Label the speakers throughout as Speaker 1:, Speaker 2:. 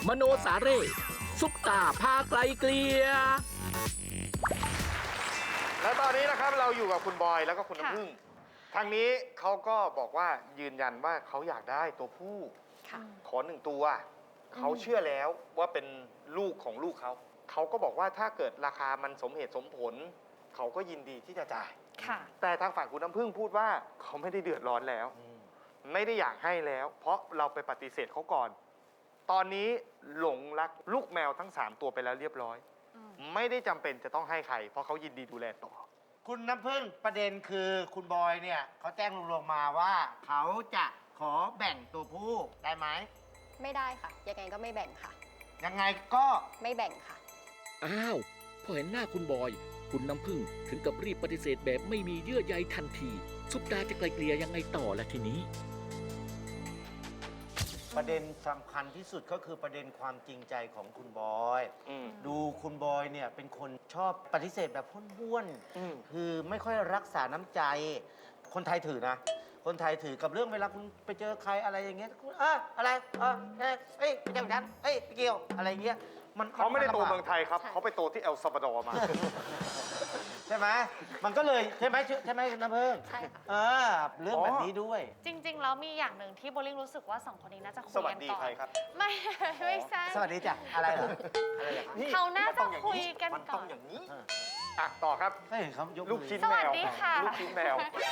Speaker 1: มโนสาเร่ซุปตาพาไกลเกลีย
Speaker 2: และตอนนี้นะครับเราอยู่กับคุณบอยแล้วก็คุณน้ำผึ้งทางนี้เขาก็บอกว่ายืนยันว่าเขาอยากได้ตัวผู้ขอ1 ตัวเขาเชื่อแล้วว่าเป็นลูกของลูกเขาก็บอกว่าถ้าเกิดราคามันสมเหตุสมผลเขาก็ยินดีที่จะจ่ายแต่ทางฝั่งคุณน้ำผึ้งพูดว่าเขาไม่ได้เดือดร้อนแล้วไม่ได้อยากให้แล้วเพราะเราไปปฏิเสธเขาก่อนตอนนี้หลงรักลูกแมวทั้ง3 ตัวไปแล้วเรียบร้อยไม่ได้จำเป็นจะต้องให้ใครเพราะเขายินดีดูแลต่อ
Speaker 3: คุณน้ำผึ้งประเด็นคือคุณบอยเนี่ยเขาแจ้งลงมาว่าเขาจะขอแบ่งตัวผู้ได้ไหม
Speaker 4: ไม่ได้ค่ะยังไงก็ไม่แบ่งค่ะ
Speaker 3: ยังไงก็
Speaker 4: ไม่แบ่งค่ะ
Speaker 1: อ้าวพอเห็นหน้าคุณบอยคุณน้ำผึ้งถึงกับรีบปฏิเสธแบบไม่มีเยื่อใยทันทีซุปตาจะไกลเกลี่ยยังไงต่อละทีนี้
Speaker 3: ประเด็นสำคัญที่สุดก็คือประเด็นความจริงใจของคุณบอยดูคุณบอยเนี่ยเป็นคนชอบปฏิเสธแบบพ้วนๆคือไม่ค่อยรักษาน้ำใจคนไทยถือนะคนไทยถือกับเรื่องเวลาคุณไปเจอใครอะไรอย่างเงี้ยคุณอะไรเฮ้ยไปเจอฉันเฮ้ยไปเกี่ยวอะไรเงี้ย
Speaker 2: เขาไม่ได้โตเมืองไทยครับเขาไปโตที่เอลซัลวาดอร์มา
Speaker 3: ใช่ไหมมันก็เลยใช่ไหมน้ำผึ้ง
Speaker 4: ใช่ค่ะ
Speaker 3: เรื่องแบบนี้ด้วย
Speaker 5: จริงๆแล้วมีอย่างหนึ่งที่โบลิ่งรู้สึกว่า2 คนนี้น่าจะคุยกันก่อน
Speaker 2: สวัสดีใครครับ
Speaker 5: ไม่ใช่
Speaker 3: สวัสดีจ้ะอะไรเหรอ
Speaker 5: เขาน่าจะคุยกันก่อนมัน
Speaker 2: ต้องอย่างนี้ต่อครับ
Speaker 3: ไม่เห็นเขายก
Speaker 2: ลูกชิ้นแมว
Speaker 5: สวัสดีค่ะ
Speaker 2: ลูกชิ้นแมว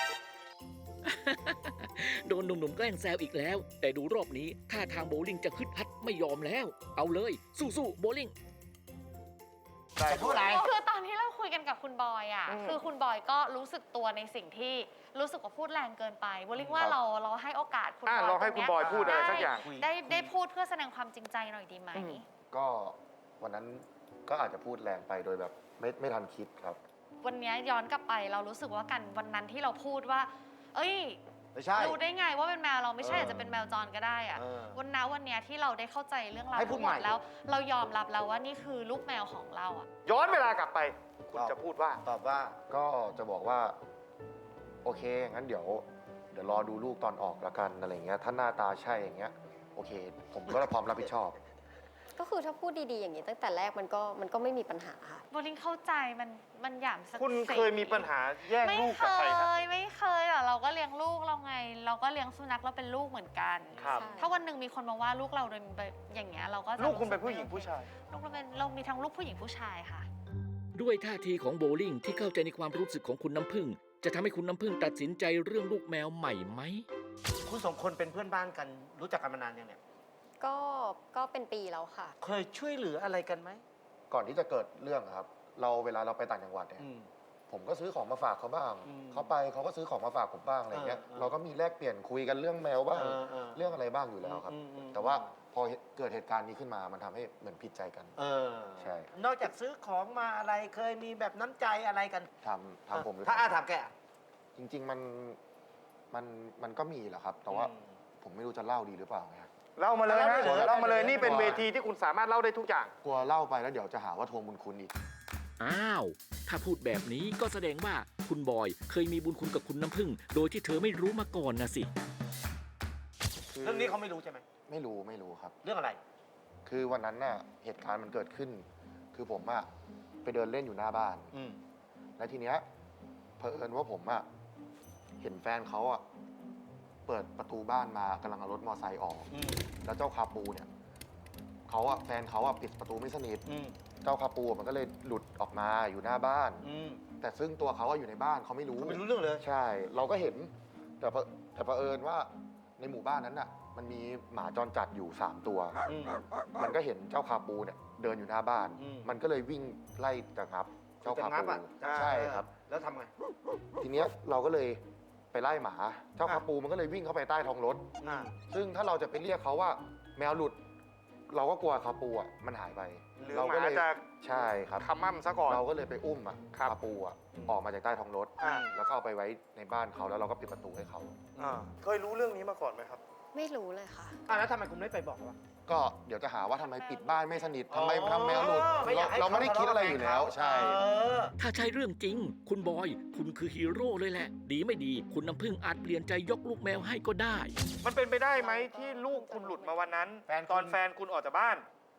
Speaker 1: โดนหนุ่มๆแกล้งแซวอีกแล้วแต่ดูรอบนี้ท่าทางโบลิ่งจะคึดฮัดไม่ยอมแล้วเอาเลยสู้ๆโบลิ่ง
Speaker 3: จะพูดอะไร
Speaker 5: คือตอนที่เราคุยกันกับคุณบอยคือคุณบอยก็รู้สึกตัวในสิ่งที่รู้สึกว่าพูดแรงเกินไปโบลิ่งว่าเราให้โอกาสคุณบอย
Speaker 2: เราให้คุณบอยพูดอะไรสักอย่าง
Speaker 5: ได้พูดเพื่อแสดงความจริงใจหน่อยดีไหม
Speaker 6: ก็วันนั้นก็อาจจะพูดแรงไปโดยแบบไม่ทันคิดครับ
Speaker 5: วันนี้ย้อนกลับไปเรารู้สึกว่ากันวันนั้นที่เราพูดว่าเอ้ยรู้ได้ไงว่าเป็นแมวเราไม่ใช่อาจจะเป็นแมวจรก็ได้อะวันนี้ที่เราได้เข้าใจเรื่องราวทั้งหมดแล้วเรายอมรับแล้วว่านี่คือลูกแมวของเรา
Speaker 2: ย้อนเวลากลับไปคุณจะพูดว่า
Speaker 6: ตอบว่าก็จะบอกว่าโอเคงั้นเดี๋ยวรอดูลูกตอนออกละกันอะไรเงี้ยถ้าหน้าตาใช่อย่างเงี้ยโอเคผมก็พร้อมรับผิดชอบ
Speaker 4: ก็คือถ้าพูดดีๆอย่างนี้ตั้งแต่แรกมันก็ไม่มีปัญหาค่ะ
Speaker 5: โบลิ่งเข้าใจมันหยามศักดิ์ศรี
Speaker 2: คุณเคยมีปัญหาแย่งลูกกับใครครับ
Speaker 5: ไม่เคยหรอกเราก็เลี้ยงลูกเราไงเราก็เลี้ยงสุนัขเราเป็นลูกเหมือนกันถ้าวันหนึ่งมีคนมาว่าลูกเราโดยอย่างเงี้ยเราก็
Speaker 2: ลูกคุณเป็นผู้หญิงผู้ชาย
Speaker 5: ลูกเรามีทั้งลูกผู้หญิงผู้ชายค่ะ
Speaker 1: ด้วยท่าทีของโบลิ่งที่เข้าใจในความรู้สึกของคุณน้ำผึ้งจะทำให้คุณน้ำผึ้งตัดสินใจเรื่องลูกแมวใหม่ไหม
Speaker 3: คุณ2 คนเป็นเพื่อนบ้านกันรู้จักกันมานานยังเนี่ย
Speaker 4: ก็เป็นปีแล้วค่ะ
Speaker 3: เคยช่วยเหลืออะไรกันไหม
Speaker 6: ก่อนที่จะเกิดเรื่องครับเวลาเราไปต่างจังหวัดเนี่ยผมก็ซื้อของมาฝากเขาบ้างเขาก็ซื้อของมาฝากผมบ้างอะไรเงี้ยเราก็มีแลกเปลี่ยนคุยกันเรื่องแมวบ้างเรื่องอะไรบ้างอยู่แล้วครับแต่ว่าพอเกิดเหตุการณ์นี้ขึ้นมามันทำให้เหมือนผิดใจกันใช่
Speaker 3: นอกจากซื้อของมาอะไรเคยมีแบบน้ำใจอะไรกัน
Speaker 6: ทำผม
Speaker 3: ถ้าถามแก
Speaker 6: จริงๆมันก็มีแหละครับแต่ว่าผมไม่รู้จะเล่าดีหรือเปล่าไง
Speaker 2: เล่ามาเลยฮะเล่ามาเลยนี่เป็นเวทีที่คุณสามารถเล่าได้ทุกอย่าง
Speaker 6: กลัวเล่าไปแล้วเดี๋ยวจะหาว่าทวงบุญคุณอีก
Speaker 1: อ้าวถ้าพูดแบบนี้ก็แสดงว่าคุณบอยเคยมีบุญคุณกับคุณน้ำผึ้งโดยที่เธอไม่รู้มาก่อนนะสิ
Speaker 3: เรื่องนี้เขาไม่รู้ใช่ไหม
Speaker 6: ไม่รู้ครับ
Speaker 3: เรื่องอะไร
Speaker 6: คือวันนั้นน่ะเหตุการณ์มันเกิดขึ้นคือผมอะไปเดินเล่นอยู่หน้าบ้านแล้วทีเนี้ยเผอิญว่าผมอะเห็นแฟนเขาอะเปิดประตูบ้านมากำลังเอารถมอเตอร์ไซค์ออกแล้วเจ้าคาปูเนี่ยแฟนเขาปิดประตูไม่สนิทเจ้าคาปูมันก็เลยหลุดออกมาอยู่หน้าบ้านแต่ซึ่งตัวเขาอยู่ในบ้านเขาไม่รู้
Speaker 3: เรื่องเลย
Speaker 6: ใช่เราก็เห็นแต่เผอิญว่าในหมู่บ้านนั้นน่ะมันมีหมาจรจัดอยู่3 ตัวมันก็เห็นเจ้าคาปูเนี่ยเดินอยู่หน้าบ้านมันก็เลยวิ่งไล่จะงับเจ้าคาปูใช่ครับ
Speaker 3: แล้วทำไง
Speaker 6: ทีเนี้ยเราก็เลยไปไล่หมาเจ้าคาปูมันก็เลยวิ่งเข้าไปใต้ท้องรถซึ่งถ้าเราจะไปเรียกเขาว่าแมวหลุดเราก็กลัวคาปูมันหายไป
Speaker 2: เราก็เลย
Speaker 6: ใช่ครับ
Speaker 2: ทำมั่มซะก่อน
Speaker 6: เราก็เลยไปอุ้มคาปูออกมาจากใต้ท้องรถแล้วก็เอาไปไว้ในบ้านเขาแล้วเราก็ปิดประตูให้เขา
Speaker 2: เคยรู้เรื่องนี้มาก่อนไหมครับ
Speaker 4: ไม่รู้เลยค่ะ
Speaker 3: แล้วทำไมคุณไม่ไปบอกวะ
Speaker 6: ก็เดี๋ยวจะหาว่าทำไมปิดบ้านไม่สนิททำไมทำแมวหลุดเราไม่ได้คิดอะไรอยู่แล้วใช่
Speaker 1: ถ้าใช่เรื่องจริงคุณบอยคุณคือฮีโร่เลยแหละดีไม่ดีคุณน้ำผึ้งอาจเปลี่ยนใจยกลูกแมวให้ก็ได้
Speaker 2: มันเป็นไปได้ไหมที่ลูกคุณหลุดมาวันนั้นตอนแฟนคุณออกจากบ้าน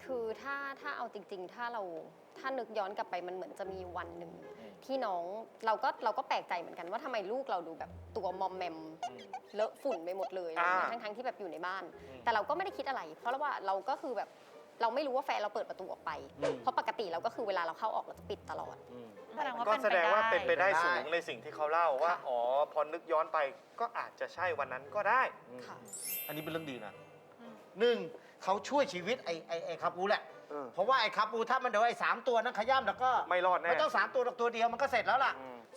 Speaker 4: คือถ้าเอาจริงๆ ถ้านึกย้อนกลับไปมันเหมือนจะมีวันหนึ่งที่น้องเราก็แปลกใจเหมือนกันว่าทำไมลูกเราดูแบบตัวมอมแมมเลอะฝุ่นไปหมดเลยทั้งที่แบบอยู่ในบ้าน แต่เราก็ไม่ได้คิดอะไร เพราะว่าเราก็คือแบบเราไม่รู้ว่าแฟนเราเปิดประตูออกไป เพราะปกติเราก็คือเวลาเราเข้าออกเราจะปิดตลอด
Speaker 2: ก็แสดงว่าเป็นไปได้สูงในสิ่งที่เขาเล่าว่าอ๋อพอนึกย้อนไปก็อาจจะใช่วันนั้นก็ได้
Speaker 4: ค่ะ
Speaker 3: อันนี้เป็นเรื่องดีนะหนึ่งเขาช่วยชีวิตไอ้คาปูแหละ เพราะว่าไอ้คาปูถ้ามันเดี๋ยวไอ้3 ตัวนั้นขย้ำแล้วก็
Speaker 2: ไม่รอดแน่
Speaker 3: ไม่ต้อง3 ตัวหรอกตัวเดียวมันก็เสร็จแล้วล่ะ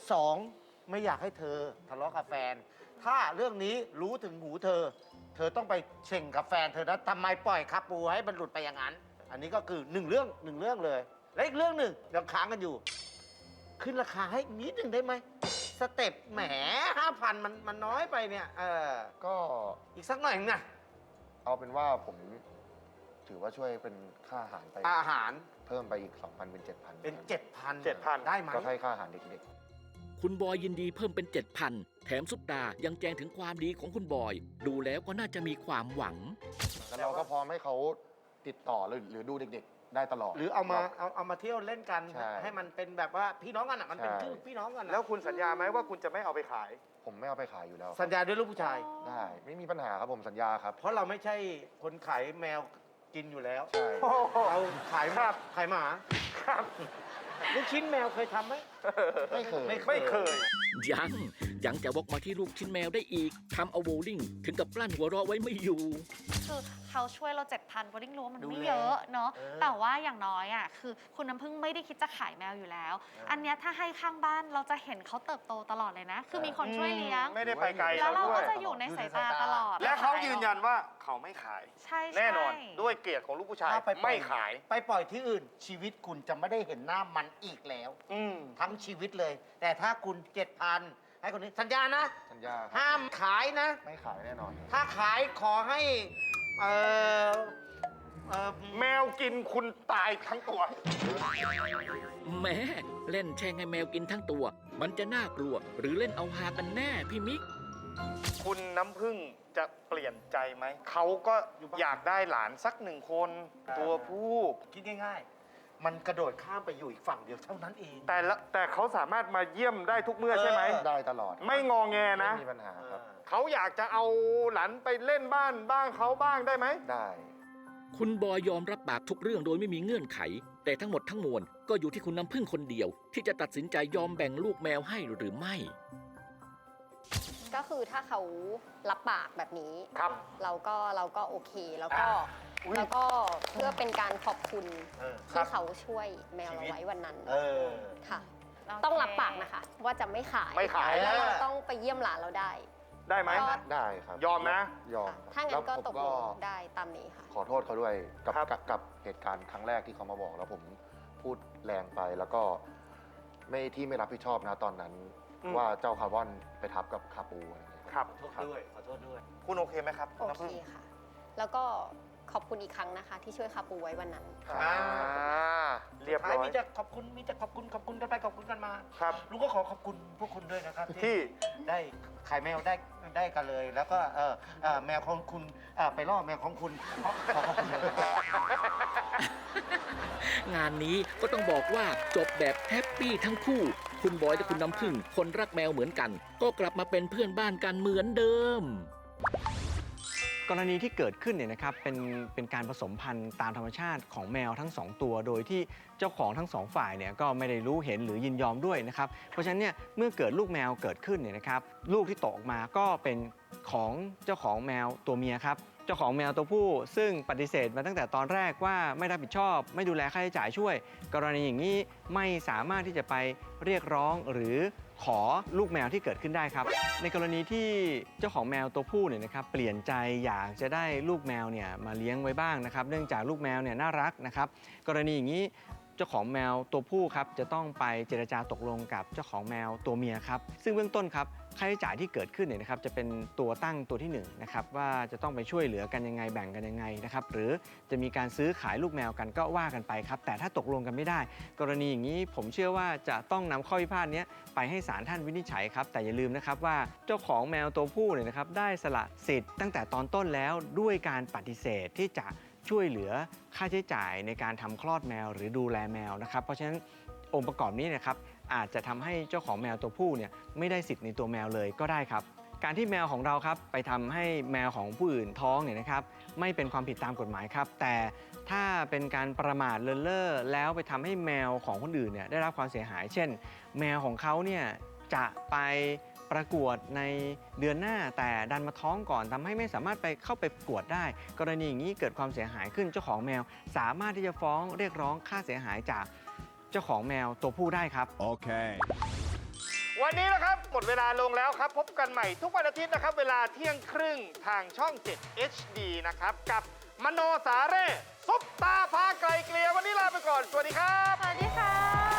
Speaker 3: 2 ไม่อยากให้เธอทะเลาะกับแฟน ถ้าเรื่องนี้รู้ถึงหูเธอต้องไปเช่งกับแฟนเธอนะทำไมปล่อยคาปูให้มันหลุดไปอย่างนั้น อันนี้ก็คือ1 เรื่องเลย และอีกเรื่องหนึ่งยังค้างกันอยู่ ขึ้นราคาให้นิดหนึ่งได้ไหมสเต็ปแหม5,000มันน้อยไปเนี่ย
Speaker 6: ก็
Speaker 3: อีกสักหน่อยนึงนะ
Speaker 6: เอาเป็นว่าผมถือว่าช่วยเป็นค่าอาหารไป
Speaker 3: อาหาร
Speaker 6: เพิ่มไปอีก 2,000 เป็น 7,000
Speaker 3: เป็น 7,000
Speaker 2: 7,000
Speaker 3: ได้ไหม
Speaker 6: ก็ให้ค่าอาหารเด็ก
Speaker 1: คุณบอยยินดีเพิ่มเป็น 7,000 แถมซุปตายังแจ้งถึงความดีของคุณบอย ดูแล้วก็น่าจะมีความหวัง
Speaker 6: ๆแล้วเราก็พร้อมให้เขาติดต่อหรือดูเด็กๆ ได้ตลอด
Speaker 3: หรือเอามาเที่ยวเล่นกัน
Speaker 6: ใช่
Speaker 3: ให้มันเป็นแบบว่าพี่น้องกันอ่ะมันเป็น
Speaker 6: ใช่
Speaker 3: ชื่อพี่น้องกันอะ
Speaker 2: แล้วคุณสัญญาไหมว่าคุณจะไม่เอาไปขาย
Speaker 6: ผมไม่เอาไปขายอยู่แล้ว
Speaker 3: สัญญาด้วยลูกผู้ชาย
Speaker 6: ได้ไม่มีปัญหาครับผมสัญญาครับ
Speaker 3: เพราะเราไม่ใช่คนขายแมวกินอยู่แล้ว
Speaker 6: ใช่
Speaker 3: เราขาย
Speaker 2: ครับ
Speaker 3: ขายหมา
Speaker 2: ครับ
Speaker 3: ลูกชิ้นแมวเคยทำไหม
Speaker 6: ไม่เคย
Speaker 2: ไม่เคย
Speaker 1: ยังจะวกมาที่ลูกชิ้นแมวได้อีกทำเอาโบลิ่งถึงกับกลั้นหัวเราะไว้ไม่อยู่
Speaker 5: คือเขาช่วยเรา 7,000โบลิ่งรู้ว่ามัน
Speaker 3: ดู
Speaker 5: ไม่
Speaker 3: แล
Speaker 5: เยอะเนาะ
Speaker 3: เออ
Speaker 5: แต่ว่าอย่างน้อยอ่ะคือคุณน้ำพึ่งไม่ได้คิดจะขายแมวอยู่แล้ว อันเนี้ยถ้าให้ข้างบ้านเราจะเห็นเขาเติบโตตลอดเลยนะ คือมีคนช่วยเลี้ยง
Speaker 2: ไม่ได้ไปไกล
Speaker 5: แล้ว
Speaker 2: เขา
Speaker 5: เรา
Speaker 2: ด้ว
Speaker 5: ก็
Speaker 2: ย
Speaker 5: จะอยู่ในสายตาตลอด
Speaker 2: และเขายืนยันว่าเขาไม่ขาย
Speaker 5: ใช่
Speaker 2: แน่นอน
Speaker 5: ใช่
Speaker 2: ด้วยเกียรติของลูกผู้ชาย
Speaker 3: ถ้าปล่อ
Speaker 2: ไม่ขาย
Speaker 3: ไปปล่อยที่อื่น ชีวิตคุณจะไม่ได้เห็นหน้ามันอีกแล้ว ทั้งชีวิตเลย แต่ถ้าคุณ 7,000 ให้คนนี้สัญญานะ
Speaker 6: สัญญาครับ
Speaker 3: ห้ามขายนะ
Speaker 6: ไม่ขายแน่นอน
Speaker 3: ถ้าขายขอให้
Speaker 2: แมวกินคุณตายทั้งตัว
Speaker 1: แหม้เล่นแช่งให้แมวกินทั้งตัว มันจะน่ากลัว หรือเล่นเอาฮากันแน่พี่มิก
Speaker 2: คุณน้ำพึ่งจะเปลี่ยนใจไหม เขาก็อยากได้หลานสัก1 คน ตัวผู้
Speaker 3: คิดง่ายๆ มันกระโดดข้ามไปอยู่อีกฝั่งเดียวเท่านั้นเอง
Speaker 2: แต่เขาสามารถมาเยี่ยมได้ทุกเมื่อใช่ไหม
Speaker 6: ได้ตลอด
Speaker 2: ไม่งอแงนะ
Speaker 6: ไม่มีปัญหาครับ
Speaker 2: เขาอยากจะเอาหลานไปเล่นบ้านบ้างเขาบ้างได้ไหม
Speaker 6: ได้
Speaker 1: คุณบอยยอมรับปากทุกเรื่องโดยไม่มีเงื่อนไข แต่ทั้งหมดทั้งมวลก็อยู่ที่คุณน้ำพึ่งคนเดียว ที่จะตัดสินใจยอมแบ่งลูกแมวให้หรือไม่
Speaker 4: ก็คือถ้าเขารับปากแบบนี้
Speaker 2: ครับ
Speaker 4: เราก็โอเคแล้วก็
Speaker 2: อุ๊ย
Speaker 4: แล้วก็เพื่อเป็นการขอบคุณ
Speaker 2: ครั
Speaker 4: ที่
Speaker 2: บ
Speaker 4: เขาช่วยแมวเราไว้วันนั้น
Speaker 3: เออ
Speaker 4: ค่ะ
Speaker 5: โเค
Speaker 4: ต้องรับปากนะคะ ว่าจะไม่ขาย
Speaker 2: ไม่ขาย
Speaker 4: แล้วเราต้องไปเยี่ยมหลานเราได้
Speaker 2: ได้ไหม
Speaker 4: ก็
Speaker 6: ได้ครับ
Speaker 2: ยอมนะ
Speaker 6: ยอม
Speaker 4: ถ้างั้นก็
Speaker 6: แล้ว
Speaker 4: ต
Speaker 6: ผ
Speaker 4: ก
Speaker 6: ม
Speaker 4: ลงได้ตามนี้ค่ะ
Speaker 6: ขอโทษเขาด้วยกับ
Speaker 2: ครับ
Speaker 6: กับเหตุการณ์ครั้งแรกที่เขามาบอกแล้วผมพูดแรงไปแล้วก็ไม่รับผิดชอบนะตอนนั้น ว่าเจ้าคาร์บอนไปทับกับคาปูอะไรอย่างเงี้ย
Speaker 2: ครับ
Speaker 3: ขอโทษด้วย ขอโทษด้วย
Speaker 2: คุณโอเคไหมครับ
Speaker 4: โอ
Speaker 2: น้ำ
Speaker 4: เค
Speaker 2: พึ่ง
Speaker 4: ค่ะ แล้วก็ขอบคุณอีกครั้งนะคะ ที่ช่วยคาปูไว้วันนั้น
Speaker 6: ครับ
Speaker 2: เรียบร้อย
Speaker 3: มีแต่ขอบคุณกันไปขอบคุณกันมา
Speaker 2: ครับ
Speaker 3: ลุงก็ขอขอบคุณพวกคุณด้วยนะครับ
Speaker 2: ที่
Speaker 3: ได้ขายแมวได้กันเลย แล้วก็แมวของคุณไปล่อแมวของคุณขอขอบคุณเลยนะครับ
Speaker 1: งานนี้ก็ต้องบอกว่าจบแบบแฮปปี้ทั้งคู่ คุณบอยและคุณน้ำพึ่งคนรักแมวเหมือนกัน ก็กลับมาเป็นเพื่อนบ้านกันเหมือนเดิม
Speaker 7: กรณีที่เกิดขึ้นเนี่ยนะครับเป็นการผสมพันธุ์ตามธรรมชาติของแมวทั้ง 2 ตัว โดยที่เจ้าของทั้ง 2 ฝ่ายเนี่ยก็ไม่ได้รู้เห็นหรือยินยอมด้วยนะครับเพราะฉะนั้นเนี่ยเมื่อเกิดลูกแมวเกิดขึ้นเนี่ยนะครับลูกที่ตกออกมาก็เป็นของเจ้าของแมวตัวเมียครับเจ้าของแมวตัวผู้ซึ่งปฏิเสธมาตั้งแต่ตอนแรกว่าไม่รับผิดชอบไม่ดูแลค่าใช้จ่ายช่วย กรณีอย่างนี้ไม่สามารถที่จะไปเรียกร้องหรือขอลูกแมวที่เกิดขึ้นได้ครับในกรณีที่เจ้าของแมวตัวผู้เนี่ยนะครับเปลี่ยนใจอยากจะได้ลูกแมวเนี่ยมาเลี้ยงไว้บ้างนะครับเนื่องจากลูกแมวเนี่ยน่ารักนะครับกรณีอย่างนี้เจ้าของแมวตัวผู้ครับจะต้องไปเจรจาตกลงกับเจ้าของแมวตัวเมียครับซึ่งเบื้องต้นครับค่าใช้จ่ายที่เกิดขึ้นเนี่ยนะครับจะเป็นตัวตั้งตัวที่1นะครับว่าจะต้องไปช่วยเหลือกันยังไงแบ่งกันยังไงนะครับหรือจะมีการซื้อขายลูกแมวกันก็ว่ากันไปครับแต่ถ้าตกลงกันไม่ได้ กรณีอย่างนี้ผมเชื่อว่าจะต้องนำข้อพิพาทนี้ไปให้ศาลท่านวินิจฉัยครับแต่อย่าลืมนะครับว่าเจ้าของแมวตัวผู้เนี่ยนะครับได้สละสิทธิ์ตั้งแต่ตอนต้นแล้วด้วยการปฏิเสธที่จะช่วยเหลือค่าใช้จ่ายในการทำคลอดแมวหรือดูแลแมวนะครับเพราะฉะนั้นองค์ประกอบนี้นะครับอาจจะทำให้เจ้าของแมวตัวผู้เนี่ยไม่ได้สิทธิ์ในตัวแมวเลยก็ได้ครับการที่แมวของเราครับไปทำให้แมวของผู้อื่นท้องเนี่ยนะครับไม่เป็นความผิดตามกฎหมายครับแต่ถ้าเป็นการประมาทเลินเล่อแล้วไปทำให้แมวของคนอื่นเนี่ยได้รับความเสียหาย เช่น แมวของเขาเนี่ยจะไปประกวดในเดือนหน้าแต่ดันมาท้องก่อนทำให้ไม่สามารถไปเข้าไปประกวดได้ กรณีอย่างนี้เกิดความเสียหายขึ้นเจ้าของแมวสามารถที่จะฟ้องเรียกร้องค่าเสียหายจากเจ้าของแมวตัวผู้ได้ครับ
Speaker 2: วันนี้นะครับหมดเวลาลงแล้วครับ พบกันใหม่ทุกวันอาทิตย์นะครับ เวลาเที่ยงครึ่งทางช่อง 7 HD นะครับ กับมโนสาเร่ซุปตาพาไกลเกลียวันนี้ลาไปก่อน สวัสดีครับ
Speaker 5: สวัสดีค่ะ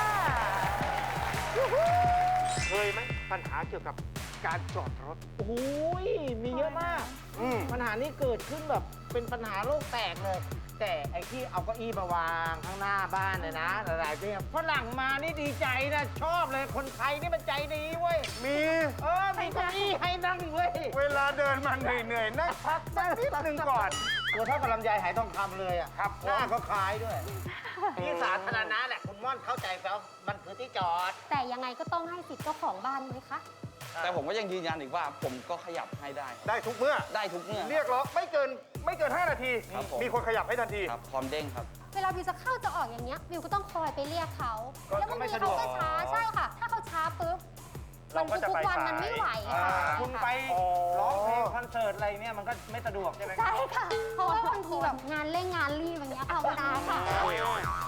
Speaker 2: เคยไหมปัญหาเกี่ยวกับการจอดรถ
Speaker 3: โอ้ยมีเยอะมาก ปัญหานี้เกิดขึ้นแบบเป็นปัญหาโลกแตกเลย แต่ไอ้ที่เอาเก้าอี้มาวางข้างหน้าบ้านเนี่ยนะหลายๆที่ฝรั่งมานี่ดีใจนะชอบเลยคนไทยนี่มันใจดีเว้ย
Speaker 2: มี
Speaker 3: มีเก้าอี้ให้นั่งเว้ย
Speaker 2: เวลาเดินมาเหนื่อยๆนั่งพักสักนิดนึงก่อน
Speaker 3: ตัวเท่ากับลำไยหายทองคำเลยอ่ะ
Speaker 2: ครับ
Speaker 3: หน้าก็คล้ายด้วยที่สาธารณะแหละคุณม่อนเข้าใจแล้วมันคือที่จอด
Speaker 4: แต่ยังไงก็ต้องให้สิทธิ์เจ้าของบ้านไหมคะ
Speaker 8: แต่ผมก็ยังยืนยันอีกว่าผมก็ขยับให้ได้ครับ
Speaker 2: ได้ทุกเมื่อ
Speaker 8: ได้ทุกเมื่อ
Speaker 2: เรียกร้องไม่เกิน 5 นาที
Speaker 8: ครับผม
Speaker 2: มีคนขยับให้ทันที
Speaker 8: ครับพร้อมเด้งครับ
Speaker 4: เวลาวิวจะเข้าจะออกอย่างเงี้ยวิวก็ต้องคอยไปเรียกเขา
Speaker 3: ก็
Speaker 4: แล้วบาง
Speaker 3: ไม่
Speaker 4: ที
Speaker 3: สะด
Speaker 4: เขา
Speaker 3: วก
Speaker 4: ก็ช้าใช่ค่ะ ถ้าเขาช้าปุ๊บ
Speaker 2: เราก็จะ
Speaker 4: ทุ
Speaker 2: ไป
Speaker 4: กวัน
Speaker 2: สาย
Speaker 4: มันไม่ไหวค่ะ
Speaker 3: คุณไป
Speaker 2: อ๋อ
Speaker 3: ร้องเพลงคอนเสิร์ตอะไรเนี่ยมันก็ไม่สะดวกใช่ไหม
Speaker 4: ใช่ค่ะ เพราะว่าบางทีแบบงานเร่งงานรีบอย่างเงี้ยค่ะเวลาค่ะ